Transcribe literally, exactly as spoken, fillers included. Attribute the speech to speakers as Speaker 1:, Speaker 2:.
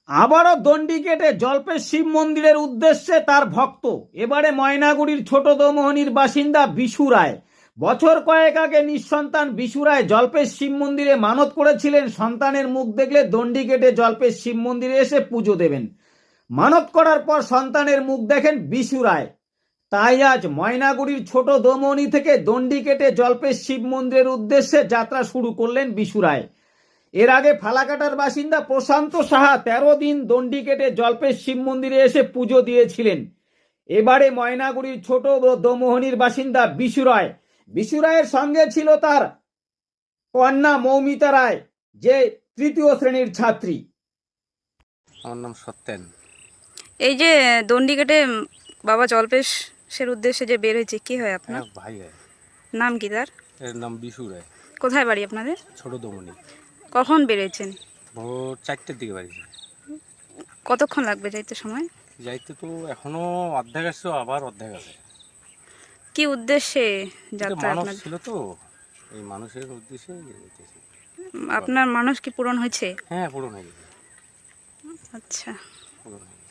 Speaker 1: আবারও দণ্ডি কেটে জল্পের শিব মন্দিরের উদ্দেশ্যে তার ভক্ত। এবারে ময়নাগুড়ির ছোট দোমোহনীর বাসিন্দা বিশু রায়। বছর কয়েক আগে নিঃসন্তান বিশু রায় জল্পের শিব মন্দিরে মানত করেছিলেন সন্তানের মুখ দেখলে দণ্ডি কেটে জল্পের শিব মন্দিরে এসে পুজো দেবেন। মানত করার পর সন্তানের মুখ দেখেন বিশু রায়। তাই আজ ময়নাগুড়ির ছোট দোমোহনী থেকে দণ্ডি কেটে জল্পের শিব মন্দিরের উদ্দেশ্যে যাত্রা শুরু করলেন বিশু রায়। এর আগে ফালাকাটার বাসিন্দা প্রশান্ত সাহা তেরো দিন দণ্ডি কেটে জল্পের শিব মন্দিরে এসে পুজো দিয়েছিলেন। এবারে ময়নাগুড়ির ছোট দোমোহনীর বাসিন্দা বিশু রায়। বিশু রায়ের সঙ্গে ছিল তার কন্যা মৌমিতা রায়, যে তৃতীয় শ্রেণীর ছাত্রী।
Speaker 2: আমার নাম সত্যেন।
Speaker 3: এই যে দণ্ডি কেটে বাবা জল্পেশের উদ্দেশ্যে যে বের হয়েছে, কি হয় আপনার?
Speaker 2: হ্যাঁ, ভাই হয়।
Speaker 3: নাম কি তার?
Speaker 2: এর নাম বিশু রায়।
Speaker 3: কোথায় বাড়ি আপনাদের?
Speaker 2: ছোট দমনি।
Speaker 3: কখন বেরিয়েছেন?
Speaker 2: ভোর চারটের দিকে বাড়ি।
Speaker 3: কতক্ষণ লাগবে যাইতে সময়?
Speaker 2: যাইতে তো এখনো অর্ধেক আসছে, আবার অর্ধেক আছে।
Speaker 3: কি উদ্দেশ্যে যাত্রা
Speaker 2: মানুষ
Speaker 3: আপনার?
Speaker 2: ছিল তো, এই মানুষের উদ্দেশ্যে যেতেছি।
Speaker 3: আপনার মানুষ কি পূরণ হয়েছে?
Speaker 2: হ্যাঁ, পূরণ হয়ে গেছে।
Speaker 3: আচ্ছা।
Speaker 2: পূরণ হয়ে গেছে।